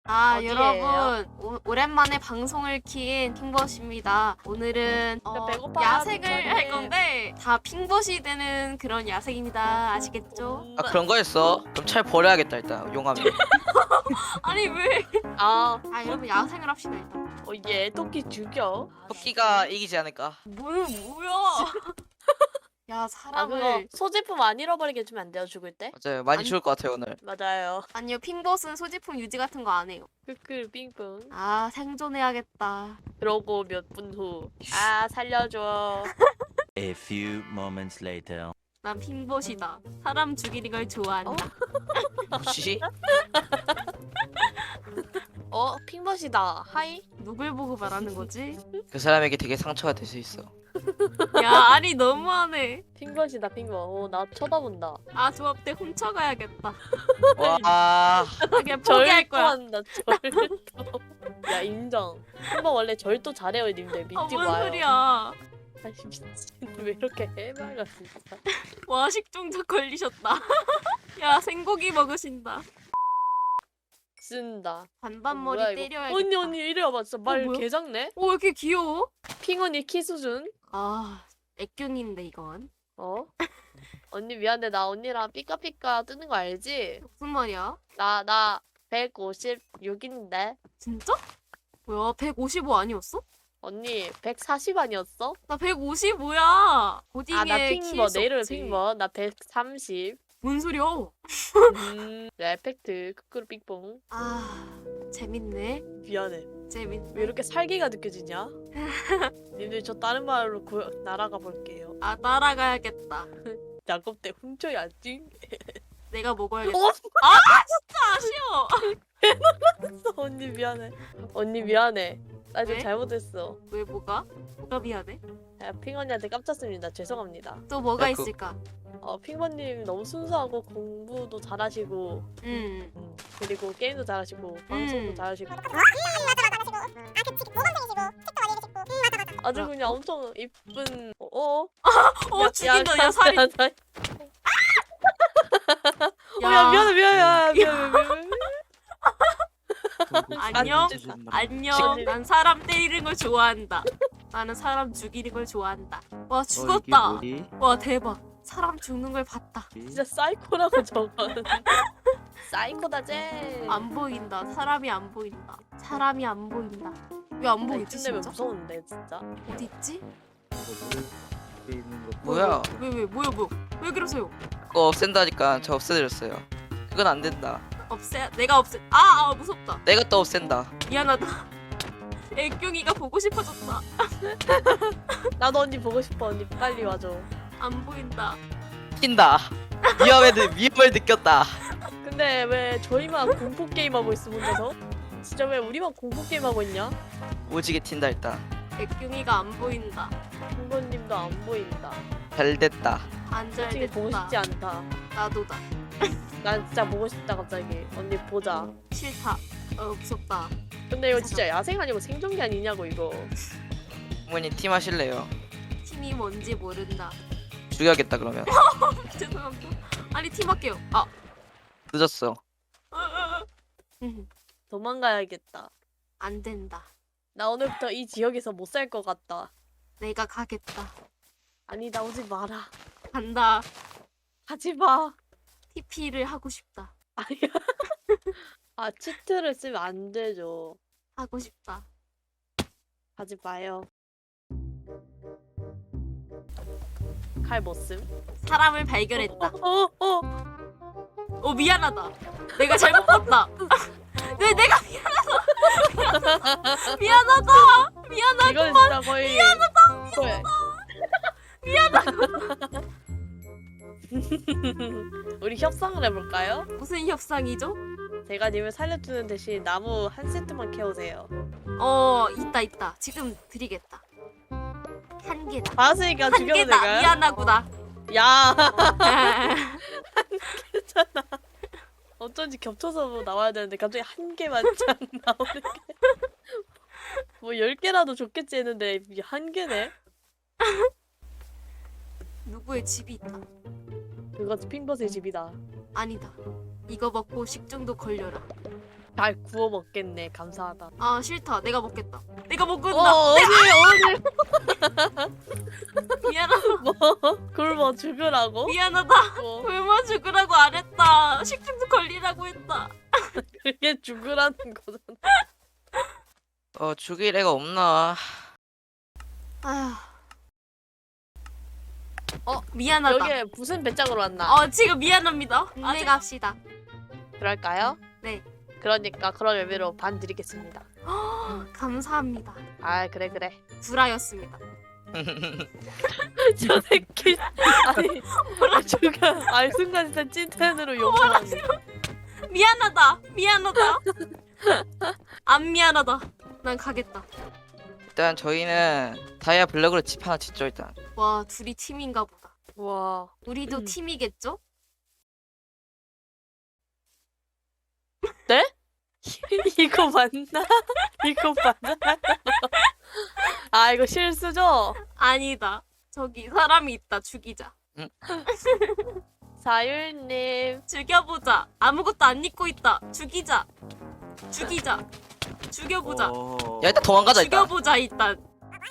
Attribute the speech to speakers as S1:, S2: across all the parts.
S1: 어디예요?
S2: 여러분 오랜만에 방송을 킨 핑벗입니다. 오늘은
S1: 배고파.
S2: 야생을 할 건데 다 핑벗이 되는 그런 야생입니다. 아시겠죠?
S3: 아 그런 거였어? 그럼 잘 버려야겠다 일단 용암이.
S2: 아니 왜?
S1: 아,
S2: 여러분 야생을 합시다 일단.
S1: 얘 토끼 죽여.
S3: 토끼가 이기지 않을까?
S2: 뭐야? 야
S1: 그거
S2: 사람을
S1: 소지품 안 잃어버리게 해주면 안 돼요, 죽을 때?
S3: 맞아요. 많이
S2: 아니-
S3: 죽을 것 같아요 오늘.
S1: 맞아요.
S2: 아니요 핑벗은 소지품 유지 같은 거 안 해요.
S1: 크크 빙봉.
S2: 생존해야겠다.
S1: 그러고 몇 분 후. 아, 살려줘.
S4: A few moments later.
S2: 난 핑벗이다. 사람 죽이는 걸 좋아한다.
S3: 뭐지?
S1: 핑벗이다. 하이?
S2: 누굴 보고 말하는 거지?
S3: 그 사람에게 되게 상처가 될 수 있어.
S2: 야 아니 너무하네.
S1: 핑벗이다, 핑벗. 나 쳐다본다.
S2: 조합 때 훔쳐가야겠다.
S3: 와
S2: 그냥 포기할 거야.
S1: 한다, 절도. 야, 인정. 핑벗 원래 절도 잘해요, 님들. 믿지
S2: 뭔
S1: 마요.
S2: 소리야.
S1: 아니, 미친. 왜 이렇게 해맑아, 진짜.
S2: 와 식중독 걸리셨다. 야 생고기 먹으신다.
S1: 쓴다.
S2: 반반머리
S1: 뭐야, 이거.
S2: 때려야겠다.
S1: 언니, 이리 와봐. 진짜 말
S2: 뭐야?
S1: 개작네?
S2: 왜 이렇게 귀여워?
S1: 핑언니 키 수준?
S2: 애균인데 이건.
S1: 언니 미안해. 나 언니랑 삐까삐까 뜨는 거 알지?
S2: 무슨 말이야?
S1: 나 156인데
S2: 진짜? 뭐야 155 아니었어?
S1: 언니 140 아니었어?
S2: 나 155야. 고딩의
S1: 나
S2: 키일
S1: 핑버
S2: 수
S1: 내 이름은
S2: 없지.
S1: 핑버. 나 130.
S2: 뭔 소리야?
S1: 레펙트 크크루 삑뽕.
S2: 재밌네.
S1: 미안해.
S2: 재밌네.
S1: 왜 이렇게 살기가 느껴지냐? 님들 저 다른 마을로 날아가 볼게요.
S2: 따라가야겠다.
S1: 작업 때 훔쳐야지.
S2: 내가 먹어야겠다.
S1: 어?
S2: 아쉬워.
S1: 언니 미안해. 언니 미안해. 나 좀
S2: 왜?
S1: 잘못했어.
S2: 왜 뭐가 미안해?
S1: 핑언니한테 깜짝습니다. 죄송합니다.
S2: 또 뭐가
S3: 야,
S2: 있을까?
S1: 핑번님 너무 순수하고 공부도 잘하시고 그리고 게임도 잘하시고 방송도 잘하시고 아주 그냥 엄청 이쁜
S2: 죽인다. 야 살이.
S1: 야 미안해
S2: 안녕.
S1: 아,
S2: 안녕. 난 사람 때리는 걸 좋아한다. 나는 사람 죽이는 걸 좋아한다. 와 죽었다. 와 대박. 사람 죽는 걸 봤다.
S1: 진짜 사이코라고 저건 사이코다 쟤.
S2: 안 보인다. 사람이 안 보인다. 사람이 안 보인다. 왜 안 보이지
S1: 이쯤 되면
S2: 진짜?
S1: 무서운데 진짜.
S2: 어디 있지?
S3: 뭐야?
S2: 뭐야? 왜 그러세요?
S3: 그거 없앤다니까 저 없애드렸어요. 그건 안 된다.
S2: 내가 없애. 무섭다.
S3: 내가 또 없앤다.
S2: 미안하다. 애경이가 보고 싶어졌다.
S1: 나도 언니 보고 싶어. 언니 빨리 와줘.
S2: 안 보인다.
S3: 튄다. 위험을 느꼈다.
S1: 근데 왜 저희만 공포 게임 하고 있어 혼자서? 진짜 왜 우리만 공포 게임 하고 있냐?
S3: 오지게 튄다 일단.
S2: 애경이가 안 보인다.
S1: 김건님도 안 보인다.
S3: 잘 됐다.
S2: 안 잘
S1: 솔직히 보고
S2: 됐다.
S1: 싶지 않다.
S2: 나도다.
S1: 난 진짜 보고 싶다 갑자기. 언니 보자.
S2: 싫다. 무섭다.
S1: 근데 이거 진짜 야생 아니고 생존기 아니냐고 이거.
S3: 부모님 팀 하실래요?
S2: 팀이 뭔지 모른다.
S3: 죽여야겠다 그러면.
S2: 죄송합니다. 아니 팀할게요.
S3: 늦었어.
S1: 도망가야겠다.
S2: 안 된다.
S1: 나 오늘부터 이 지역에서 못 살 것 같다.
S2: 내가 가겠다.
S1: 아니 나 오지 마라.
S2: 간다.
S1: 하지 마.
S2: TP를 하고 싶다.
S1: 아니야. 치트를 쓰면 안 되죠.
S2: 하고 싶다.
S1: 하지 마요. 칼 못 쓴?
S2: 사람을 발견했다.
S1: 어.
S2: 미안하다. 내가 잘못 봤다. 왜 내가 미안하다. 미안하다.
S1: 이건 진짜 거의 미안하다. 우리 협상을 해볼까요?
S2: 무슨 협상이죠?
S1: 제가 님을 살려주는 대신 나무 한 세트만 캐오세요.
S2: 있다. 지금 드리겠다. 한 개다.
S1: 봤으니까
S2: 한
S1: 죽여도
S2: 개다.
S1: 될까요?
S2: 미안하구나.
S1: 야 괜찮아. 어쩐지 겹쳐서 나와야 되는데 갑자기 한 개만 짠 나오는 게. 뭐 10개라도 좋겠지 했는데 이게 한 개네?
S2: 누구의 집이 있다.
S1: 그거 핑벗의 집이다.
S2: 아니다. 이거 먹고 식중독 걸려라.
S1: 잘 구워 먹겠네. 감사하다.
S2: 아 싫다. 내가 먹겠다. 내가 먹는다.
S1: 어디
S2: 미안하다.
S1: 뭐 굶어 죽으라고?
S2: 미안하다.
S1: 뭐
S2: 굶어 죽으라고 안 했다. 식중독 걸리라고 했다.
S1: 그게 죽으라는 거잖아.
S3: 죽일 애가 없나?
S2: 아휴. 미안하다.
S1: 여기에 무슨 배짱으로 왔나?
S2: 지금 미안합니다. 안내 갑시다.
S1: 그럴까요?
S2: 네.
S1: 그러니까 그런 의미로 반 드리겠습니다.
S2: 감사합니다.
S1: 아 그래.
S2: 구라였습니다.
S1: 저 새끼. 아니 죽여. 아니 순간 진짜 찐텐으로 욕하는.
S2: 미안하다. 안 미안하다. 난 가겠다.
S3: 일단 저희는 다이아 블럭으로 집 하나 짓죠 일단.
S2: 와 둘이 팀인가 보다.
S1: 와.
S2: 우리도 팀이겠죠?
S1: 이거 맞나? 이거 맞아? 아 이거 실수죠?
S2: 아니다. 저기 사람이 있다. 죽이자.
S1: 사율님.
S2: 죽여보자. 아무것도 안 입고 있다. 죽이자. 죽여보자.
S3: 야 일단 도망가자 일단.
S2: 죽여보자 일단.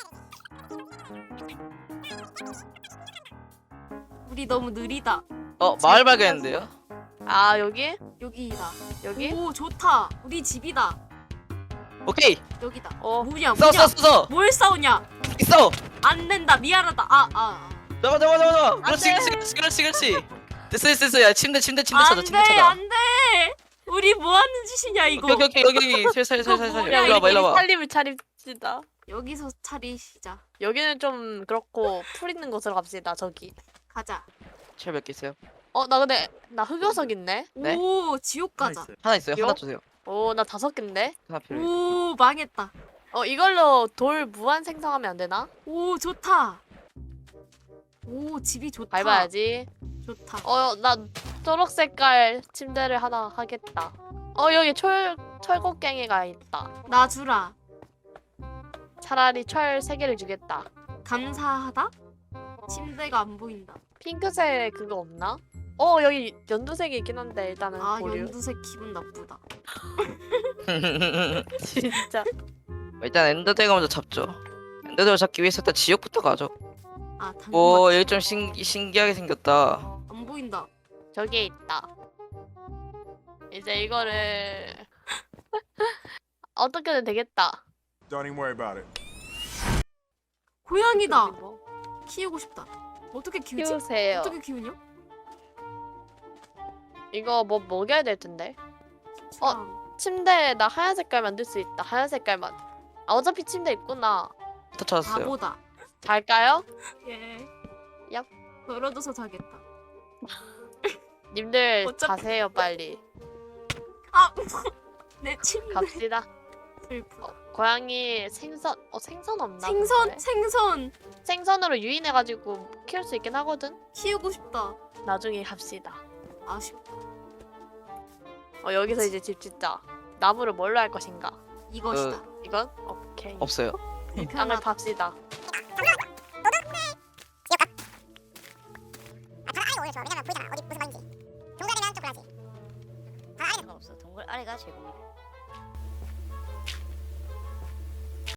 S2: 우리 너무 느리다.
S3: 마을 발견했는데요?
S1: 아 여기?
S2: 여기다.
S1: 여기?
S2: 오 좋다. 우리 집이다.
S3: 오케이.
S2: 여기다.
S1: 어.
S2: 뭐냐
S3: 싸워
S2: 뭐냐.
S3: 싸워
S2: 뭘 싸우냐.
S3: 싸워.
S2: 안 된다. 미안하다.
S3: 잡아. 그렇지. 됐어. 야 침대 찾아.
S2: 안돼. 우리 뭐 하는 짓이냐 이거.
S3: 오케이 여기 살살
S2: 뭐야,
S3: 일로 와봐.
S1: 살림을 차립시다.
S2: 여기서 차리시자.
S1: 여기는 좀 그렇고 풀 있는 곳으로 갑시다. 저기.
S2: 가자.
S3: 철 몇 개 있어요?
S1: 나 근데 나 흑요석 있네.
S3: 네?
S2: 오 지옥 가자.
S3: 하나 있어요.
S1: 요?
S3: 하나 주세요.
S1: 나 5개인데.
S3: 하나 필요해.
S2: 오 망했다.
S1: 이걸로 돌 무한 생성하면 안 되나?
S2: 오 좋다. 오 집이 좋다.
S1: 밟아야지.
S2: 좋다.
S1: 나 초록 색깔 침대를 하나 하겠다. 여기 철곡갱이가 있다.
S2: 나 주라.
S1: 차라리 철 3개를 주겠다.
S2: 감사하다. 침대가 안 보인다.
S1: 핑크색 그거 없나? 여기 연두색이 있긴 한데 일단은 보류.
S2: 연두색 기분 나쁘다.
S1: 진짜.
S3: 일단 엔더드래곤 먼저 잡죠. 엔더드래곤 잡기 위해서 일단 지옥부터 가죠.
S2: 당근
S3: 여기 좀 신기하게 생겼다.
S2: 안 보인다.
S1: 저기에 있다. 이제 이거를 어떻게든 되겠다.
S5: Don't even worry about it.
S2: 고양이다.
S1: 뭐
S2: 키우고 싶다. 어떻게 키우지?
S1: 키우세요.
S2: 어떻게 키우냐?
S1: 이거 뭐 먹여야 될 텐데.
S2: 주랑.
S1: 침대에 나 하얀 색깔 만들 수 있다. 하얀 색깔만. 어차피 침대 있구나.
S3: 다 찾았어요.
S2: 바보다.
S1: 잘까요?
S2: 예.
S1: 얍.
S2: 걸어둬서 자겠다.
S1: 님들
S2: 어차피-
S1: 자세요 빨리.
S2: 내 침대.
S1: 갑시다.
S2: 슬프.
S1: 고양이 생선 생선 없나?
S2: 생선
S1: 근데?
S2: 생선
S1: 생선으로 유인해가지고 키울 수 있긴 하거든.
S2: 키우고 싶다.
S1: 나중에 합시다.
S2: 아쉽다.
S1: 여기서 이제 집 짓자. 나무를 뭘로 할 것인가?
S2: 이것이다.
S1: 이건? 오케이.
S3: 없어요.
S1: 땅을
S2: 불편하다.
S1: 팝시다.
S6: 아래 오늘 좋아. 왜냐면 보이잖아. 어디 무슨 말인지. 동그라미는 좀 그러지. 아래
S7: 없어. 동굴 아래가 제공이래.